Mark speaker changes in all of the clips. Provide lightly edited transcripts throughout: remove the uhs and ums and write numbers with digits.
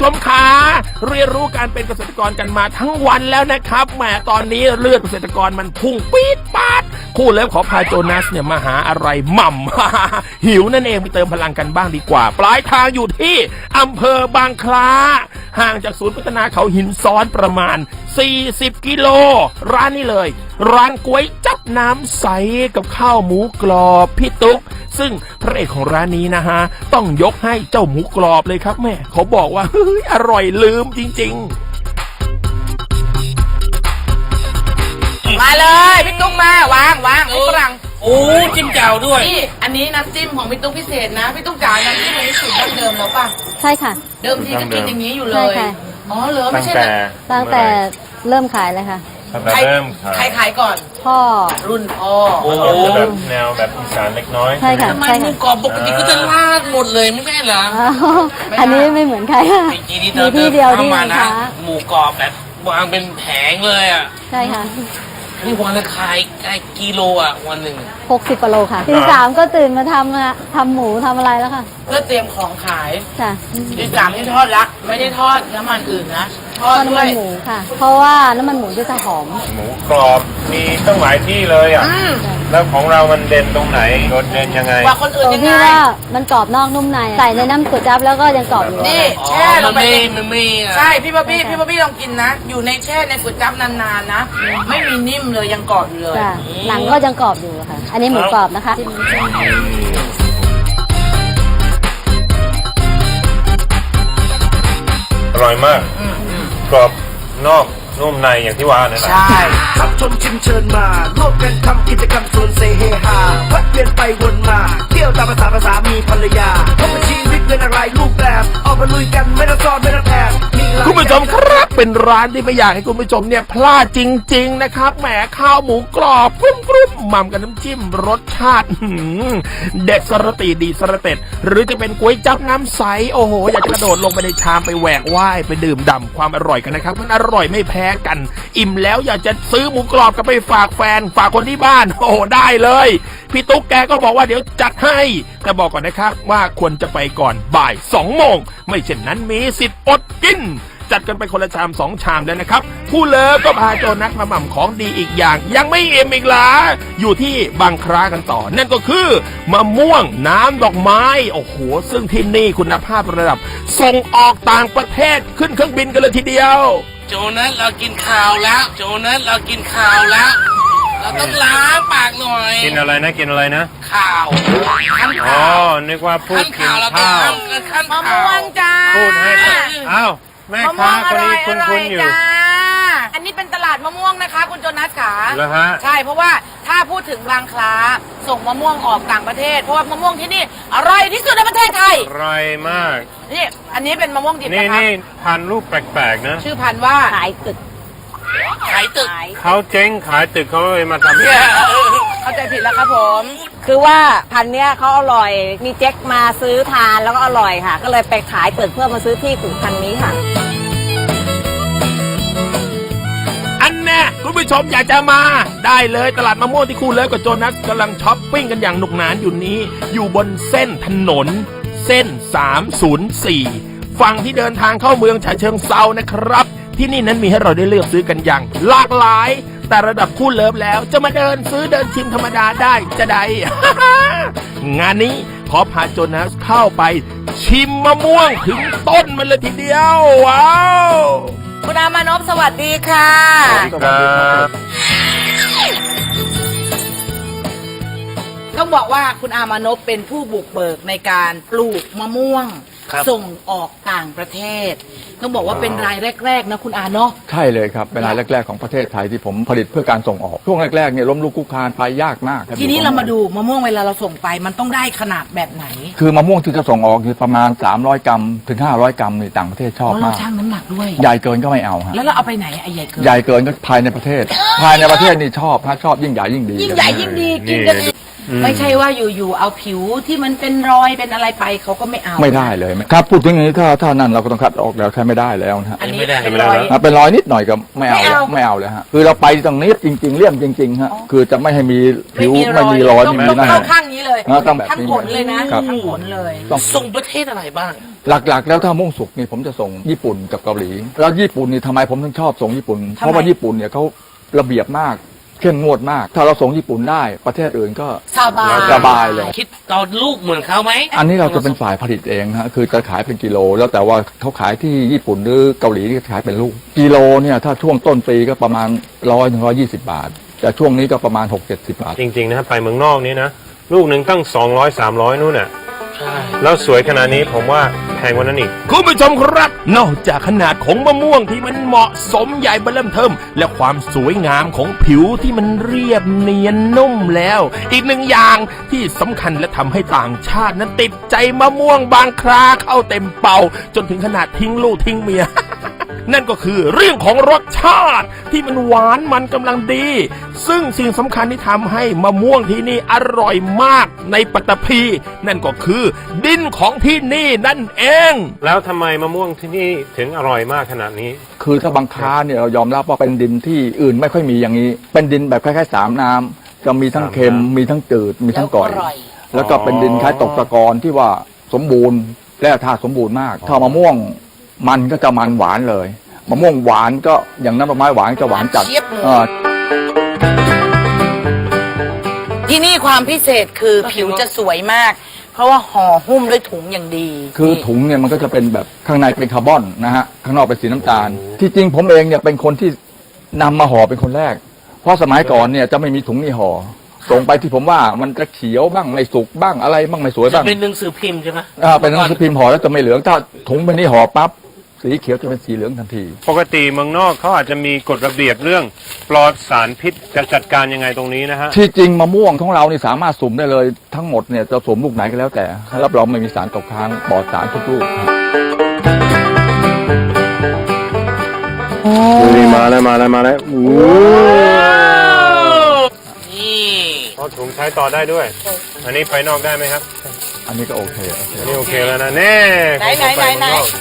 Speaker 1: ชมขาเรียนรู้การเป็นเกษตรกรกันมาทั้งวันแล้วนะครับแหมตอนนี้เลือดเกษตรกรมันพุ่งปี๊ดปาดคู่เลิฟขอพาโจนัสเนี่ยมาหาอะไรหม่ำ หิวนั่นเองไปเติมพลังกันบ้างดีกว่าปลายทางอยู่ที่อำเภอบางคล้าห่างจากศูนย์พัฒนาเขาหินซ้อนประมาณ40 กิโลร้านนี้เลยร้านก๋วยจับน้ำใสกับข้าวหมูกรอบพี่ตุ๊กซึ่งพระเอกของร้านนี้นะฮะต้องยกให้เจ้าหมูกรอบเลยครับแม่เขาบอกว่าเฮ้ยอร่อยลืมจริง
Speaker 2: ๆมาเลยพี่ตุ๊กมาวางให้ฝรั่ง
Speaker 3: โอ้จิ้มแจ่วด้วย
Speaker 2: นี่อันนี้น้ำจิ้มของพี่ตุ๊กพิเศษนะพี่ตุ๊กจ๋าน้ำจิ้มอันนี้สูตรดั้งเดิมแล้วป่ะ
Speaker 4: ใช่ค่ะ
Speaker 2: เดิมทีก็กินอย่างนี้อยู่เลย
Speaker 4: ใช่ค่ะ
Speaker 2: อ๋อเหรอไม่ใช่
Speaker 4: ตั้งแต่เริ่มขายเลยค่ะ
Speaker 2: ใครขายก่อน
Speaker 4: พ่อ
Speaker 2: รุ่นพ่อ
Speaker 3: โอ้แบบแนวแบบอีสานเล็กน้อย
Speaker 4: ใช่ค่ะ
Speaker 3: ใช่ค่ะกรอบปกติก็จะลาดหมดเลยไม่ใช่เหรอ
Speaker 4: อันนี้ไม่เหมือนใครค่ะมีที่เดียวที่นะคะ
Speaker 3: หมูกรอบแบบวางเป็นแผงเลยอ่ะ
Speaker 4: ใช่ค่ะ
Speaker 3: นี่วันละขายกิโลอ่ะวันหนึ่ง
Speaker 4: 60 กิโลค่ะตี 3ก็ตื่นมาทำหมูทำอะไรแล้วค่ะ
Speaker 2: เพื่อเตรียมของขาย
Speaker 4: ค่ะ
Speaker 2: ตี 3นี่ทอดละไม่ได้ทอดน้ำมันอื่นนะทอด
Speaker 4: น้ำมันหมูค่ะเพราะว่าน้ำมันหมูจะหอม
Speaker 3: หมูกรอบมีตั้งหลายที่เลยอ่ะแล้วของเรามันเด่นตรงไหนโดดเด่นยังไง
Speaker 2: ว่าคนอื่นยังไง
Speaker 4: ที่ว่ามันกรอบนอกนุ่มในใส่ในน้ำก๋วยจั๊บแล้วก็ยังกรอบอยู่
Speaker 2: นี่แช่ลงไปใช่พี่บ๊อบบี้ลองกินนะอยู่ในแช่ในก๋วยจั๊บนานๆนะไม่มีนิ่มเลยยังกรอบอยู่เลย
Speaker 4: หนังก็ยังกรอบอยู่ค่ะอันนี้หมูกรอบนะคะ
Speaker 3: อร่อยมากกรอบนอกนุ่มในอย่างที่ว่านั่นแหละ
Speaker 2: ใช่
Speaker 5: ขับชมชิมเชิญมาร่วมกันทำกิจกรรมชวนเซเฮฮาพัดเวียนไปวนมาเที่ยวตามภาษามีภรรยาพบกับชีวิตเป็นอะไรรูปแบบออกมาลุยกันไม่ต้องซ้อนไม่ต้องแอบ
Speaker 1: คุณผู้ชมครับเป็นร้านที่ไม่อยากให้คุณผู้ชมเนี่ยพลาดจริงๆนะครับแหมข้าวหมูกรอบกรุบหม่ำกับน้ำจิ้มรสชาติเด็ดสระตีดีสระเต็ดหรือจะเป็นก๋วยจั๊บน้ำใสโอ้โหอยากกระโดดลงไปในชามไปแหวกว่ายไปดื่มด่ำความอร่อยกันนะครับมันอร่อยไม่แพ้กันอิ่มแล้วอยากจะซื้อหมูกรอบกลับไปฝากแฟนฝากคนที่บ้านโอ้ได้เลยพี่ตุ๊กแกก็บอกว่าเดี๋ยวจัดให้แต่บอกก่อนนะครับว่าควรจะไปก่อนบ่าย2 โมงไม่เช่นนั้นมีสิทธิ์อดกินจัดกันไปคนละชาม2 ชามแล้วนะครับผู้เลิฟก็พาโจนัสมาหม่ำของดีอีกอย่างยังไม่อิ่มอีกล่ะอยู่ที่บางคล้ากันต่อนั่นก็คือมะม่วงน้ำดอกไม้โอ้โหซึ่งที่นี่คุณภาพระดับส่งออกต่างประเทศขึ้นเครื่องบินกันเลยทีเดียว
Speaker 3: โจนัสเรากินข้าวแล้วโจนัสเรากินข้าวแล้วเราต้องล้างปากหน่อยกินอะไรนะข้าวอ๋อนึกว่าพูดกินข้าว
Speaker 2: มะม่วงจ้า
Speaker 3: พูดให้อ้าวแม่ค้าคนนี้คุ้นๆอยู่
Speaker 2: อันนี้เป็นตลาดมะม่วงนะคะคุณโจนัสขา
Speaker 3: เหรอฮะ
Speaker 2: ใช่เพราะว่าถ้าพูดถึงบางคล้าส่งมะม่วงออกต่างประเทศเพราะว่ามะม่วงที่นี่อร่อยที่สุดในประเทศไทย
Speaker 3: อร่อยมาก
Speaker 2: นี่อันนี้เป็นมะม่วงดิบนะคะ
Speaker 3: นี่พันธุ์รูปแปลกๆนะ
Speaker 2: ชื่อพันธุ์ว่า
Speaker 4: ขายตึก
Speaker 3: เขาเจ๊งขายตึกเขาเลยมาทำ
Speaker 2: เข้าใจผิดแล้วครับผม
Speaker 4: คือว่าพันเนี้ยเขาอร่อยมีเจ๊กมาซื้อทานแล้วก็อร่อยค่ะก็เลยไปขายตึกเพื่อมาซื้อที่ปลูกพันนี้ค่ะ
Speaker 1: อันแน่คุณผู้ชมอยากจะมาได้เลยตลาดมะม่วงที่คู่เลิฟกับโจนัสกำลังช้อปปิ้งกันอย่างหนุกหนานอยู่นี้อยู่บนเส้นถนนเส้น304ฝั่งที่เดินทางเข้าเมืองฉะเชิงเทรานะครับที่นี่นั้นมีให้เราได้เลือกซื้อกันอย่างหลากหลายแต่ระดับคู่เลิฟแล้วจะมาเดินซื้อเดินชิมธรรมดาได้จะได้ งานนี้ขอพาโจนัสเข้าไปชิมมะม่วงถึงต้นมันเลยทีเดียวว้าว
Speaker 2: คุณอามานพสวัสดีค่ะต้องบอกว่าคุณอามานพเป็นผู้บุกเบิกในการปลูกมะม่วงส่งออกต่างประเทศต้องบอกว่าเป็นรายแรกๆนะคุณอาเนาะ
Speaker 6: ใช่เลยครับเป็นรายแรกๆของประเทศไทยที่ผมผลิตเพื่อการส่งออกช่วงแรกๆเนี่ยล้มลุกคลุกคลานไปยากมาก
Speaker 2: ทีนี้เรามาดูมะม่วงเวลาเราส่งไปมันต้องได้ขนาดแบบไหน
Speaker 6: คือมะม่วงที่จะส่งออกคือประมาณ300 กรัมถึง500 กรัมในต่างประเทศชอบมาก
Speaker 2: เราชั่งน้ำหนักด้วย
Speaker 6: ใหญ่เกินก็ไม่เอาฮะ
Speaker 2: แล้วเราเอาไปไหนไอ้ใหญ่เกิน
Speaker 6: ใหญ่เกินก็ภายในประเทศนี่ชอบยิ่งใหญ่ยิ่งดี
Speaker 2: ยิ่งใหญ่ยิ่งดีกินกันไม่ใช่ว่าอยู่ๆเอาผิวที่มันเป็นรอยเป็นอะไรไปเขาก็ไม่เอา
Speaker 6: ไม่ได้เลยครับพูดถึงอย่างนี้ถ้านั่นเราก็ต้องคัดออกแล้วใช้ไม่ได้แล้วนะฮะ
Speaker 2: อันนี้
Speaker 3: ไม่ได้
Speaker 2: เป็นรอย
Speaker 6: เป็นรอยนิดหน่อยก็ไม่เอา
Speaker 2: ไม่เอา
Speaker 6: ไม่เอาเลยฮะคือเราไปตรงนี้จริง ๆเลี่ยมจริงๆฮะคือจะไม่ให้มีผิวไม่มีรอย
Speaker 2: ต้อง
Speaker 6: ไม่มีหน้า
Speaker 2: เข้าข้างนี้เลย
Speaker 6: ต้องแบบนี้
Speaker 2: ทั้งผลเลยนะครับ ทั้งผลเลย
Speaker 6: ต้อง
Speaker 3: ส่งประเทศอะไรบ้าง
Speaker 6: หลักๆ แล้วถ้ามุ่งสุกนี่ผมจะส่งญี่ปุ่นกับเกาหลีแล้วญี่ปุ่นนี่ทำไมผมถึงชอบส่งญี่ปุ่น เพราะว่าญี่ปุ่นเนี่ยเขาระเบียบมากเข้มงวดมาก ถ้าเราส่งญี่ปุ่นได้ประเทศอื่นก็
Speaker 2: สบาย
Speaker 6: เลย
Speaker 3: คิดต่อลูกเหมือนเขาไหม
Speaker 6: อันนี้เราจะเป็นฝ่ายผลิตเองฮะคือจะขายเป็นกิโล แล้วแต่ว่าเขาขายที่ญี่ปุ่นหรือเกาหลีที่ขายเป็นลูกกิโลเนี่ยถ้าช่วงต้นปีก็ประมาณ100-120 บาทแต่ช่วงนี้ก็ประมาณ6-70 บาท
Speaker 7: จริงๆนะครับไปเมืองนอกนี้นะ ลูกหนึ่งตั้ง200-300นู่นน่ะแล้วสวยขนาดนี้ผมว่าแพงกว่านั้นอีก
Speaker 1: คุณผู้ชมครับ นอกจากขนาดของมะม่วงที่มันเหมาะสมใหญ่เบิ่มเทิมและความสวยงามของผิวที่มันเรียบเนียนนุ่มแล้ว อีกหนึ่งอย่างที่สำคัญและทำให้ต่างชาตินั้นติดใจมะม่วงบางคราเข้าเต็มเป่า จนถึงขนาดทิ้งลูกทิ้งเมีย นั่นก็คือเรื่องของรสชาติที่มันหวานมันกำลังดี ซึ่งสิ่งสำคัญที่ทำให้มะม่วงที่นี่อร่อยมากในปัตตภีนั่นก็คือดินของที่นี่นั่นเอง
Speaker 7: แล้วทำไมมะม่วงที่นี่ถึงอร่อยมากขนาดนี้
Speaker 6: คือถ้าบางค้าเนี่ยเรายอมรับว่าเป็นดินที่อื่นไม่ค่อยมีอย่างนี้ เป็นดินแบบคล้ายๆสามน้ำจะมีทั้งเค็มมีทั้งจืดมีทั้งกร่อย แล้วก็เป็นดินคล้ายตกตะกอนที่ว่าสมบูรณ์แร่ธาตุสมบูรณ์มากถ้ามะม่วงมันก็จะมันหวานเลยมะม่วงหวานก็อย่างน้ำผลไม้หวานจะหวานจัด
Speaker 2: เจี๊ยบเลย ที่นี่ความพิเศษคือผิวจะสวยมาก เพราะว่าห่อหุ้มด้วยถุงอย่างดี
Speaker 6: คือถุงเนี่ยมันก็จะเป็นแบบข้างในเป็นคาร์บอนนะฮะข้างนอกเป็นสีน้ำตาล ที่จริงผมเองเนี่ยเป็นคนที่นำมาห่อเป็นคนแรก เพราะสมัยก่อนเนี่ยจะไม่มีถุงนี่ห่อส่งไปที่ผมว่ามันจะเขียวบ้างไม่สุกบ้างอะไรบ้างไม่สวยบ้าง
Speaker 3: เป็นหนังสือพิมพ์ใช่ไหม
Speaker 6: เป็นหนังสือพิมพ์ห่อแล้วจะไม่เหลืองถ้าถุงเป็นนี่ห่อปั๊บสีเขียวจะเป็นสีเหลืองทันที
Speaker 7: ปกติเมืองนอกเขาอาจจะมีกฎระเบียบเรื่องปลอดสารพิษจะจัดการยังไงตรงนี้นะฮะ
Speaker 6: ที่จริงมะม่วงของเรานี่สามารถสุ่มได้เลยทั้งหมดเนี่ยจะสุ่มลูกไหนก็แล้วแต่รับรองไม่มีสารตกค้างปลอดสารทุกลูกครับ
Speaker 7: นี่มาแล้วโอ้
Speaker 3: นี่
Speaker 7: เอาถุงใช้ต่อได้ด้วย อันนี้ไปนอกได้ไหมครับ
Speaker 6: อันนี้ก็โอเค
Speaker 7: อันนี้โอเคแล้วนะแน่
Speaker 2: ไหน
Speaker 7: ของผมป
Speaker 2: ไหน
Speaker 7: เมืองอก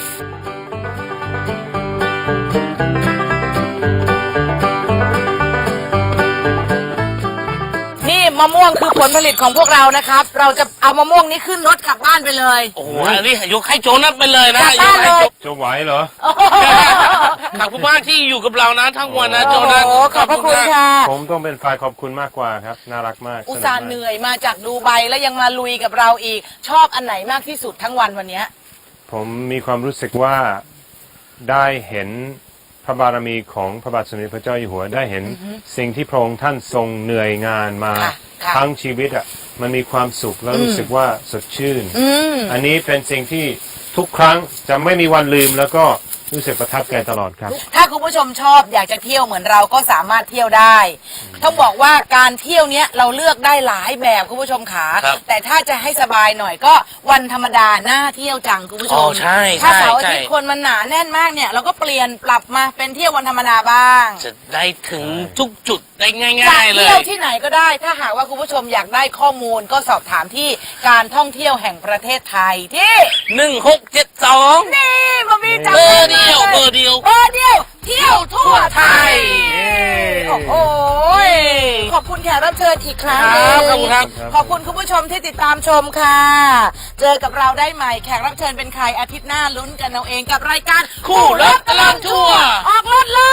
Speaker 2: นี่มะม่วงคือผลผลิตของพวกเรานะครับ เราจะเอามะม่วงนี้ขึ้นรถกลับบ้านไปเลย
Speaker 3: โอ้โหอันนี้ยกให้โจนัสไปเลยนะ
Speaker 2: กลับบ้านเลย
Speaker 7: จะไหวเหรอ
Speaker 3: ขอบคุณมากที่อยู่กับเรานะทั้งวันนะโจนัส
Speaker 2: โอ้ขอบพระคุณค่ะ
Speaker 7: ผมต้องเป็นฝ่ายขอบคุณมากกว่าครับ น่ารักมาก
Speaker 2: อุตส่าห์
Speaker 7: สกมก
Speaker 2: เหนื่อยมาจากดูไบแล้วยังมาลุยกับเราอีก ชอบอันไหนมากที่สุดทั้งวันวันเนี้ย
Speaker 7: ผมมีความรู้สึกว่าได้เห็นพระบารมีของพระบาทสมเด็จพระเจ้าอยู่หัวได้เห็นสิ่งที่พระองค์ท่านทรงเหนื่อยงานมา
Speaker 2: ค่ะค่ะ
Speaker 7: ทั้งชีวิตอ่ะมันมีความสุขแล้วรู้สึกว่าสดชื่น
Speaker 2: อืม
Speaker 7: อันนี้เป็นสิ่งที่ทุกครั้งจะไม่มีวันลืมแล้วก็รู้สึกประทับใจตลอดครับ
Speaker 2: ถ้าคุณผู้ชมชอบอยากจะเที่ยวเหมือนเราก็สามารถเที่ยวได้ต้องบอกว่าการเที่ยวเนี้ยเราเลือกได้หลายแบบคุณผู้ชมขา
Speaker 3: ครับ
Speaker 2: แต่ถ้าจะให้สบายหน่อยก็วันธรรมดาน่าเที่ยวจังคุณผู้ช
Speaker 3: อ๋อ
Speaker 2: ม
Speaker 3: ใช่
Speaker 2: ถ้า
Speaker 3: ใช่
Speaker 2: เสาร์อา
Speaker 3: ใช่
Speaker 2: ทิตย์คนมันหนาแน่นมากเนี่ยเราก็เปลี่ยนปรับมาเป็นเที่ยววันธรรมดาบ้าง
Speaker 3: จะได้ถึงทุกจุดได้ง่
Speaker 2: จะ
Speaker 3: ายๆเล
Speaker 2: เที่ยวย ที่ไหนก็ได้ ถ้าหากว่าคุณผู้ชมอยากได้ข้อมูลก็สอบถามที่การท่องเที่ยวแห่งประเทศไทยที่
Speaker 3: 1672
Speaker 2: นี่มามีจัง
Speaker 3: เบอร์เดียวเบอร์เดียว
Speaker 2: เบอร์เดียวเที่ยวทั่วไทยโอ้โหขอบคุณแขกรับเชิญอีกครั้งหนึ่ง
Speaker 3: ครับขอบคุณครับ
Speaker 2: ขอบคุณคุณผู้ชมที่ติดตามชมค่ะ เจอกับเราได้ใหม่แขกรับเชิญเป็นใครอาทิตย์หน้าลุ้นกันเอาเองกับรายการ
Speaker 3: คู่รถตลอดทั่ว
Speaker 2: ออกรถเลย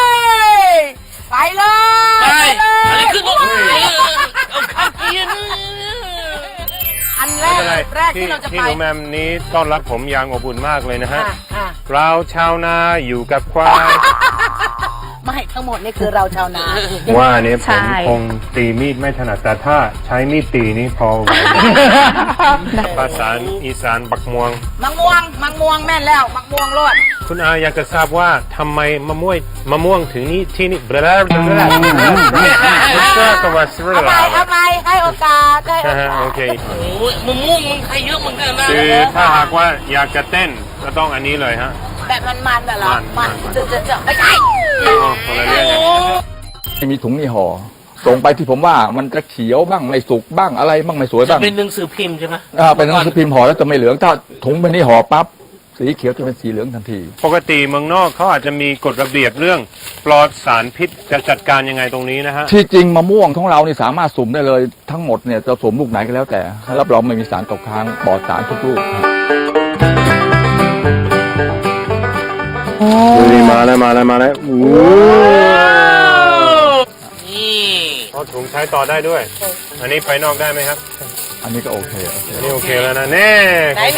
Speaker 2: ไปเลย
Speaker 3: ใช่
Speaker 2: เลย
Speaker 3: อันนี้คือรถเอาข้าวเกียร์
Speaker 2: อันแร
Speaker 7: ไม่
Speaker 2: ก
Speaker 7: เป็นไร
Speaker 2: แรกที่เราจะ
Speaker 7: ที่
Speaker 2: ไป
Speaker 7: หนูแมมนี้ต้อนรับผมอย่างอบอุ่นมากเลยนะฮะ
Speaker 2: ค่ะ
Speaker 7: เราชาวนาอยู่กับควาย
Speaker 2: ไม่ทั้งหมดนี่คือเราชาวนา
Speaker 7: ว่าเนี่ยผ
Speaker 4: ใช่
Speaker 7: มคงตีมีดไม่ถนัดแต่ถ้าใช้มีดตีนี่พอไหวภาษาอีสานบักม่วง
Speaker 2: มังม่วงแม่นแล้วมังม่วงรอด
Speaker 7: คุณอาอยากจะทราบว่าทำไมมะม่วงถึงนี่ที่นี่ก็ว่าสระ
Speaker 2: เอาไปให้โอกาสให้โอกาส
Speaker 7: โอเค
Speaker 3: โอ้ยมะม่วงมันใครเยอะเหมือนกันนะ
Speaker 7: คือถ้าหากว่าอยากจะเต้นก็ต้องอันนี้เลยฮะ
Speaker 2: แบบมันๆน่ะเหรอ
Speaker 7: มัน
Speaker 2: จะไม่ใช่
Speaker 7: อ๋อคนละเรื่องกัน
Speaker 6: ไม่มีถุงนี่ห่อส่งไปที่ผมว่ามันจะเขียวบ้างไม่สุกบ้างอะไรบ้างไม่สวยบ้าง
Speaker 3: เป็นหนังสือพิมพ์ใช่ไหม
Speaker 6: เป็นหนังสือพิมพ์ห่อแล้วจะไม่เหลืองถ้าถุงเป็นนี้ห่อปั๊บสีเขียวจะเป็นสีเหลืองทันที
Speaker 7: ปกติเมืองนอกเขาอาจจะมีกฎระเบียบเรื่องปลอดสารพิษจะจัดการยังไงตรงนี้นะฮะ
Speaker 6: ที่จริงมะม่วงของเรานี่สามารถสุ่มได้เลยทั้งหมดเนี่ยจะสุ่มลูกไหนก็แล้วแต่รับรองไม่มีสารตกค้างปลอดสารทุกลูกมาแล้วโอ้
Speaker 3: นี่
Speaker 7: เอาถุงใช้ต่อได้ด้วย อันนี้ไปนอกได้ไหมครับ
Speaker 6: อันนี้ก็โอเค
Speaker 7: อันนี้โอเคแล้วนะแน่
Speaker 2: ไหน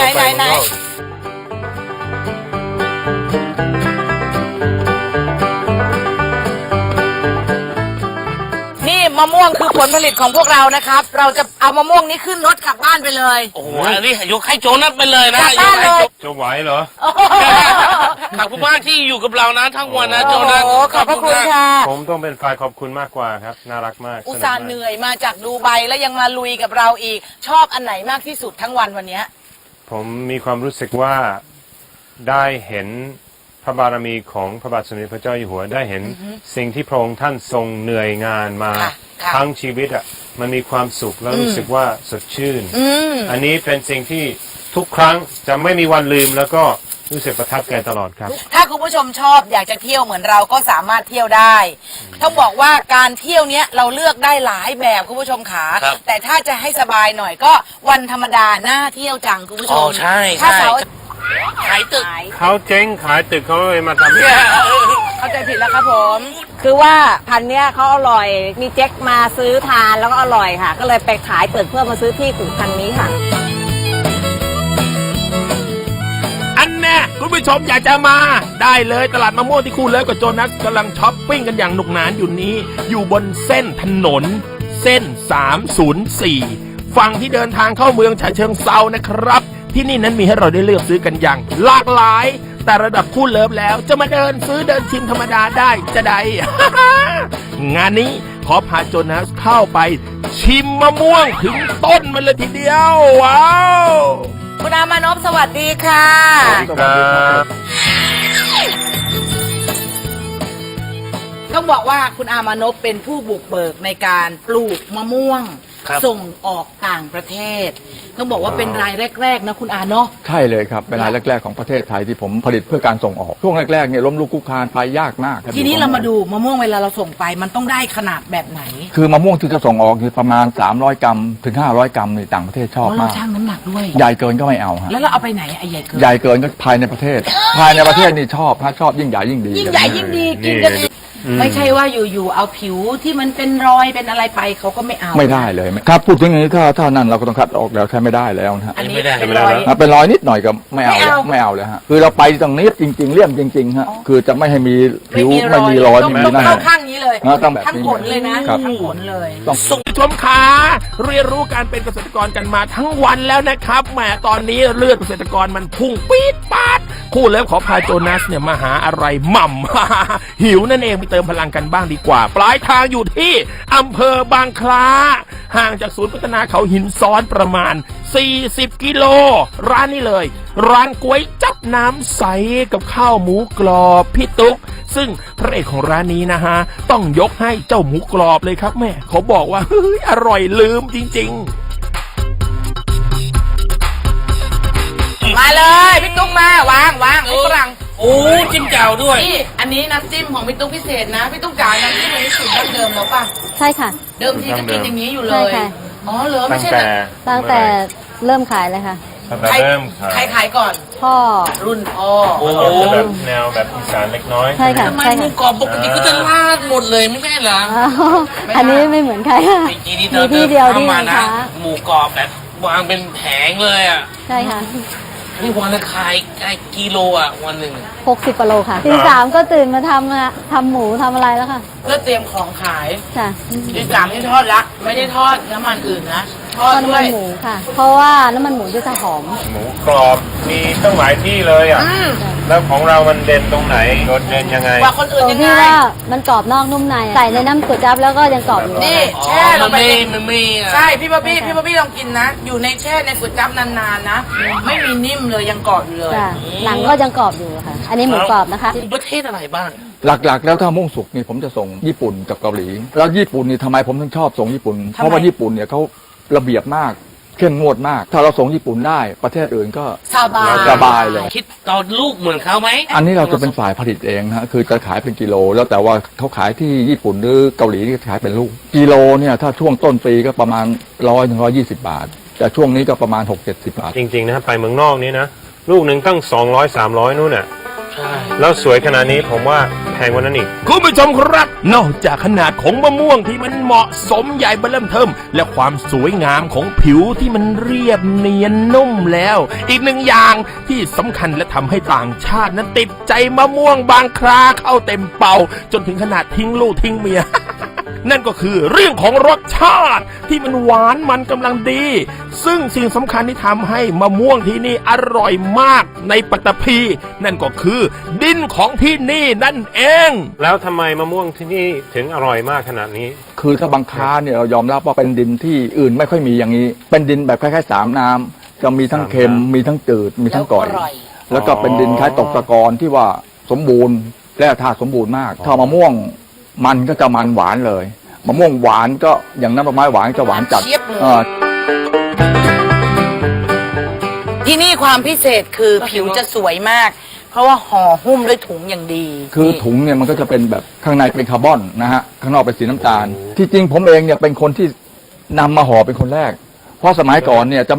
Speaker 2: นี่มะม่วงคือผลผลิตของพวกเรานะครับ เราจะเอามะม่วงนี้ขึ้นรถกลับบ้านไปเลย
Speaker 3: โอ้โหอันนี้ยกให้โจนัสไปเลยนะ
Speaker 2: กลับบ้านเลย
Speaker 7: จะไหวเหรอ
Speaker 3: ขอบคุณมากที่อยู่กับเรานะทั้งวันนะโจนัส
Speaker 2: โอ้ขอบพระคุณค่ะ
Speaker 7: ผมต้องเป็นฝ่ายขอบคุณมากกว่าครับ น่ารักมาก
Speaker 2: อุตส่าห์เหนื่อยมาจากดูไบแล้วยังมาลุยกับเราอีก ชอบอันไหนมากที่สุดทั้งวันเนี้ย
Speaker 7: ผมมีความรู้สึกว่าได้เห็นพระบารมีของพระบาทสมเด็จพระเจ้าอยู่หัวได้เห็นสิ่งที่พระองค์ท่านทรงเหนื่อยงานมา
Speaker 2: ค่ะ
Speaker 7: ทั้งชีวิตอ่ะมันมีความสุขแล้วรู้สึกว่าสดชื่น อันนี้เป็นสิ่งที่ทุกครั้งจะไม่มีวันลืมแล้วก็รู้สึกประทับใจตลอดครับ
Speaker 2: ถ้าคุณผู้ชมชอบอยากจะเที่ยวเหมือนเราก็สามารถเที่ยวได้ ต้องบอกว่าการเที่ยวเนี้ยเราเลือกได้หลายแบบคุณผู้ชมขาแต่ถ้าจะให้สบายหน่อยก็วันธรรมดาน่าเที่ยวจังคุณผู้ช
Speaker 3: อ๋อ
Speaker 2: ม
Speaker 3: ใช่
Speaker 2: ถ้า
Speaker 3: ใช่
Speaker 2: เสาร์
Speaker 3: ขายตึก
Speaker 7: เขาเจ๊งขายตึกเขาเลยมาทำ
Speaker 2: เข้าใจผิดแล้วครับผม
Speaker 4: คือว่าพันธุ์เนี้ยเขาอร่อย มีเจ๊กมาซื้อทานแล้วก็อร่อยค่ะ ก็เลยไปขายตึกเพื่อมาซื้อที่ปลูกพันธุ์นี้ค่ะ
Speaker 1: อันแน่คุณผู้ชมอยากจะมาได้เลยตลาดมะม่วงที่คู่เลิฟกับโจนัสกำลังช้อปปิ้งกันอย่างหนุกหนานอยู่นี้ อยู่บนเส้นถนน เส้น 304 ฝั่งที่เดินทางเข้าเมืองฉะเชิงเซานะครับ ที่นี่นั้นมีให้เราได้เลือกซื้อกันอย่างหลากหลาย แต่ระดับคู่เลิฟแล้วจะมาเดินซื้อเดินชิมธรรมดาได้จะได้ งานนี้ขอพาโจนัสเข้าไป ชิมมะม่วงถึงต้นมันเลยทีเดียวว้าว
Speaker 2: คุณอามานพสวัสดีค่ะ ต้องบอกว่าคุณอามานพเป็นผู้บุกเบิกในการปลูกมะม่วง ส่งออกต่างประเทศ ต้องบอกว่าเป็นรายแรกๆนะคุณอาเนาะ
Speaker 6: ใช่เลยครับเป็นรายแรกๆของประเทศไทยที่ผมผลิตเพื่อการส่งออกช่วงแรกๆเนี่ยล้มลุกคลุกคลานไปยากมาก
Speaker 2: ทีนี้เรามาดูมะม่วงเวลาเราส่งไปมันต้องได้ขนาดแบบไหน
Speaker 6: คือมะม่วงที่จะส่งออกคือประมาณ300 กรัมถึง500 กรัมในต่างประเทศชอบ
Speaker 2: เพราะเรา
Speaker 6: มาก
Speaker 2: ชั่งน้ำหนักด้วย
Speaker 6: ใหญ่เกินก็ไม่เอาฮะ
Speaker 2: แล้วเราเอาไปไหนไอ้ใหญ่เกิน
Speaker 6: ใหญ่เกินก็ภายในประเทศ ภายในประเทศนี่ชอบฮะชอบยิ่งใหญ่ยิ่งดี
Speaker 2: ยิ่งใหญ่ยิ่งดีกินกันเองไม่ใช่ว่าอยู่ๆเอาผิวที่มันเป็นรอยเป็นอะไรไปเขาก็ไม่เอา
Speaker 6: ไม่ได้เลยถ้าพูดถึงอย่างนี้ถ้านั่นเราก็ต้องคัดออกแล้วใช้ไม่ได้แล้วนะฮะ
Speaker 2: อันนี้
Speaker 3: ไม่ได้
Speaker 2: เป็นรอย
Speaker 6: เป็นรอยนิดหน่อยก็ไม่เอา
Speaker 2: ไม่เอา
Speaker 6: ไม่เอาเลยฮะคือเราไปตรงนี้จริง ๆเลี่ยมจริงๆฮะคือจะไม่ให้มีผิวไม่มีรอย
Speaker 2: ต้อง
Speaker 6: ไม่มี
Speaker 2: ต้อง
Speaker 6: นั่น
Speaker 2: เข้าข้างนี้เลย
Speaker 6: ต้องแบบนี้
Speaker 2: ทั้งผลเลยนะครับ ทั้งผลเลย
Speaker 6: ต้อง
Speaker 1: ส่งชมขาเรียนรู้การเป็นเกษตรกรกันมาทั้งวันแล้วนะครับแหมตอนนี้เลือดเกษตรกรมันพุ่งปี๊ดปาดคู่เลิฟขอพาโจนัสเนี่ยมาหาอะไรหม่ำ หิวนั่นเองไปเติมพลังกันบ้างดีกว่า ปลายทางอยู่ที่อำเภอบางคล้า ห่างจากศูนย์พัฒนาเขาหินซ้อนประมาณ 40 กิโล ร้านนี้เลย ร้านก๋วยจับน้ำใสกับข้าวหมูกรอบพี่ตุ๊ก ซึ่งพระเอกของร้านนี้นะฮะ ต้องยกให้เจ้าหมูกรอบเลยครับแม่เขาบอกว่าเฮ้ยอร่อยลืมจริงๆ
Speaker 2: มาเลยพี่ตุ๊กมาวางให้ฝรั่ง
Speaker 3: โอ้จิ้มแจ่วด้วย
Speaker 2: นี่อันนี้น้ำจิ้มของพี่ตุ๊กพิเศษนะพี่ตุ๊กจ๋าน้ำจิ้มอันนี้สูตรดั้งเดิมแล้วป่ะ
Speaker 8: ใช่ค่ะ
Speaker 2: เดิมทีก็กินอย่างนี้อยู่เล
Speaker 8: ใช่
Speaker 2: ย
Speaker 8: ค่ะ
Speaker 2: อ๋อเหรอไม่
Speaker 7: ตั้ง
Speaker 2: ใช่
Speaker 7: แต่
Speaker 8: ตั้งแต่เริ่มขายเลยค่ะ
Speaker 7: ตั้งแต่เริ่ม
Speaker 2: ใครขายก่อน
Speaker 8: พ่อ
Speaker 2: รุ่นพ่อ
Speaker 3: โอ้
Speaker 7: จะแบบแนวแบบอีสานเล็กน้อย
Speaker 8: ใช่ค่ะ
Speaker 3: ทำไม
Speaker 8: ใช่
Speaker 3: หมู
Speaker 8: ค่ะ
Speaker 3: กรอบปกติก็จะลาดหมดเลยไม่ใช่เหรอ
Speaker 8: อ้าวอันนี้ไม่เหมือนใครค่ะ
Speaker 3: ไอ้ทีนี้
Speaker 8: มีที่เดียวที่
Speaker 3: เข้ามา
Speaker 8: ไหน
Speaker 3: นะ
Speaker 8: คะ
Speaker 3: หมูกรอบแบบวางเป็นแผงเลยอ่ะ
Speaker 8: ใช่ค่ะ
Speaker 3: นี่วันละขายกิโลอ่ะวันหนึ่ง
Speaker 8: 60กิโลค่ะตีสามก็ตื่นมาทำหมูทำอะไรแล้วค่ะ
Speaker 2: เพื่อเตรียมของขาย
Speaker 8: จ้ะ
Speaker 2: ที่สามที่ทอดละไม่ได้ทอดน้ำมันอื่นนะทอด
Speaker 8: ก็น้ำ
Speaker 2: ด้ว
Speaker 8: มั
Speaker 2: ย
Speaker 8: นหมูค่ะ เพราะว่าน้ำมันหมูจะหอม
Speaker 7: หมูกรอบมีตั้งหลายที่เลยอ่ะ แล้วของเรามันเด่นตรงไหนโดดเด่นยังไง
Speaker 2: กว่าคนอื่น
Speaker 8: ตรง
Speaker 2: ยัง
Speaker 8: ที่
Speaker 2: ไง
Speaker 8: ว่ามันกรอบนอกนุ่มในใส่ในน้ำก๋วยจั๊บแล้วก็ยังกรอบอยู่
Speaker 2: นี่
Speaker 3: อ๋อ
Speaker 2: แช่ลงไป
Speaker 3: มันไม่อ่ะ
Speaker 2: ใช่พี่บ๊อบบี้ลองกินนะ อยู่ในแช่ในก๋วยจั๊บนานๆนะ ไม่มีนิ่มเลยยังกรอบอยู่เลย
Speaker 8: จ้ะหนังก็ยังกรอบอยู่ค่ะ อันนี้หมูกรอบนะคะ
Speaker 3: ประเทศอะไรบ้าง
Speaker 6: หลักๆ แล้วถ้ามะม่วงสุกนี่ผมจะส่งญี่ปุ่นกับเกาหลี แล้วญี่ปุ่นนี่ทำไมผมถึงชอบส่งญี่ปุ่น เพราะว่าญี่ปุ่นเนี่ยเขาระเบียบมากเข้มงวดมาก ถ้าเราส่งญี่ปุ่นได้ประเทศอื่นก็
Speaker 2: สบาย
Speaker 6: เลย
Speaker 3: คิดตอนลูกเหมือนเขาไหม
Speaker 6: อันนี้เราจะเป็นฝ่ายผลิตเองฮะคือจะขายเป็นกิโล แล้วแต่ว่าเขาขายที่ญี่ปุ่นหรือเกาหลีนี่ขายเป็นลูกกิโลเนี่ยถ้าช่วงต้นปีก็ประมาณ100 ถึง 120 บาท แต่ช่วงนี้ก็ประมาณ 6-70 บาท
Speaker 7: จริงๆนะไปเมืองนอกนี่นะลูกหนึ่งตั้ง200-300นู่นน่ะ
Speaker 3: ใช่
Speaker 7: แล้วสวยขนาดนี้ผมว่าแพงกว่านั้นอีก
Speaker 1: คุณผู้ชมครับ นอกจากขนาดของมะม่วงที่มันเหมาะสมใหญ่เบิ่มเทิมและความสวยงามของผิวที่มันเรียบเนียนนุ่มแล้ว อีกหนึ่งอย่างที่สำคัญและทำให้ต่างชาตินั้นติดใจมะม่วงบางคราเข้าเต็มเป่า จนถึงขนาดทิ้งลูกทิ้งเมีย นั่นก็คือเรื่องของรสชาติที่มันหวานมันกำลังดี ซึ่งสิ่งสำคัญที่ทำให้มะม่วงที่นี่อร่อยมากในปัตตภีนั่นก็คือดินของที่นี่นั่นเอง
Speaker 7: แล้วทำไมมะม่วงที่นี่ถึงอร่อยมากขนาดนี้
Speaker 6: คือถ้าบางค้าเนี่ยเรายอมรับว่าเป็นดินที่อื่นไม่ค่อยมีอย่างนี้ เป็นดินแบบคล้ายๆ3 น้ำจะมีทั้งเค็มมีทั้งจืดมีทั้งก่อย แล้วก็เป็นดินคล้ายตกตะกอนที่ว่าสมบูรณ์แร่ธาตุสมบูรณ์มาก ถ้ามะม่วงมันก็จะมันหวานเลยมะม่วงหวานก็อย่างน้ำผลไม้หวานจะหวานจัด
Speaker 2: เจี๊ยบเลย ที่นี่ความพิเศษคือผิวจะสวยมาก เพราะว่าห่อหุ้มด้วยถุงอย่างดี
Speaker 6: คือถุงเนี่ยมันก็จะเป็นแบบข้างในเป็นคาร์บอนนะฮะข้างนอกเป็นสีน้ำตาล ที่จริงผมเองเนี่ยเป็นคนที่นำมาห่อเป็นคนแรก เพราะสมัยก่อนเนี่ยจะไม่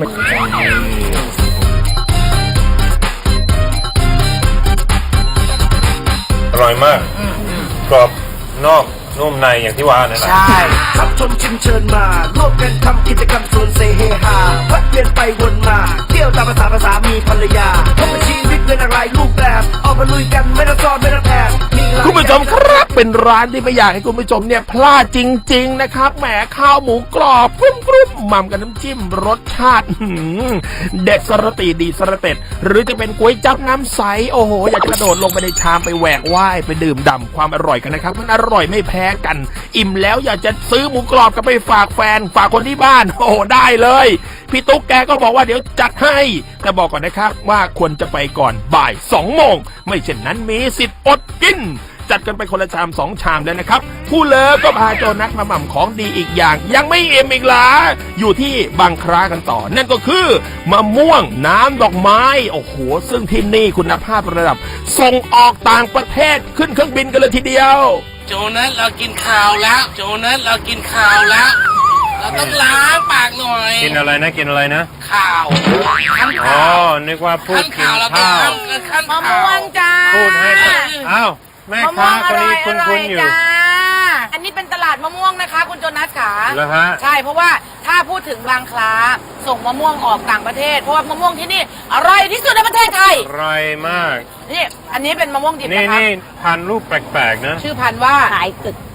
Speaker 7: อร่อยมากกรอบนอกนุ่มในอย่างที่ว่านั่นแหละ
Speaker 2: ใช่
Speaker 5: รับชมชิมเชิญมาร่วมกันทำกิจกรรมชวนเซเฮฮาพัดเวียนไปวนมาเที่ยวตามภาษามีภรรยาพบกับชีวิตเป็นอะไรรูปแบบออกมาลุยกันไม่ต้องซ้อนไม่ต้องแอบมีหลาย
Speaker 1: คุณผู้ชมครับเป็นร้านที่ไม่อยากให้คุณผู้ชมเนี่ยพลาดจริง ๆ นะครับแหมข้าวหมูกรอบกรุบๆหม่ำกับน้ำจิ้มรสชาติเด็ดสระตีดีสระเต็ดหรือจะเป็นก๋วยจั๊บน้ำใสโอ้โหอยากจะกระโดดลงไปในชามไปแหวกว่ายไปดื่มด่ำความอร่อยกันนะครับมันอร่อยไม่แพ้กัน อิ่มแล้วอยากจะซื้อหมูกรอบกลับไปฝากแฟนฝากคนที่บ้านโอ้โหได้เลยพี่ตุ๊กแกก็บอกว่าเดี๋ยวจัดให้แต่บอกก่อนนะครับว่าควรจะไปก่อนบ่าย2 โมงไม่เช่นนั้นมีสิทธิ์อดกินจัดกันไปคนละชาม2 ชามแล้วนะครับผู้เลิฟก็พาโจนัสมาหม่ำของดีอีกอย่างยังไม่เอ็มอีกเหรออยู่ที่บางครากันต่อนั่นก็คือมะม่วงน้ำดอกไม้โอ้โหซึ่งที่นี่คุณภาพระดับส่งออกต่างประเทศขึ้นเครื่องบินกันเลยทีเดียว
Speaker 3: โจนัสเรากินข้าวแล้ว โจนัสเรากินข้าวแล้ว เราต้องล้างปากหน่อย
Speaker 7: กินอะไรนะกินอะไรนะ
Speaker 3: ข้าวขั้น
Speaker 7: อ๋อ
Speaker 3: ข้าว
Speaker 7: นึกว่าพูด
Speaker 3: ขั้น
Speaker 7: กิน
Speaker 3: ข้าวเราต้อง
Speaker 7: ข้าว
Speaker 3: ขั้น
Speaker 2: มะ
Speaker 3: ข้า
Speaker 2: ม่ว
Speaker 3: ว
Speaker 2: งจ้า
Speaker 7: พูดให้อ้าวแม่
Speaker 2: มะม่
Speaker 7: ค้าว
Speaker 2: ง
Speaker 7: ค
Speaker 2: อน ร่
Speaker 7: นี้
Speaker 2: อย
Speaker 7: คุ
Speaker 2: อร่อย
Speaker 7: ณอยู่
Speaker 2: จ้าอันนี้เป็นตลาดมะม่วงนะคะ คุณโจนัสขา
Speaker 7: แล้วฮะ
Speaker 2: ใช่เพราะว่าถ้าพูดถึงบางคล้าส่งมะม่วงออกต่างประเทศเพราะว่ามะม่วงที่นี่อร่อยที่สุดในประเทศไทย
Speaker 7: อร่อยมาก
Speaker 2: นี่อันนี้เป็นมะม่วงดิบ
Speaker 7: นี่
Speaker 2: นะคะ
Speaker 7: นี่พันธุ์รูปแปลกๆนะ
Speaker 2: ชื่อพันธุ์ว่า
Speaker 4: ขายตึก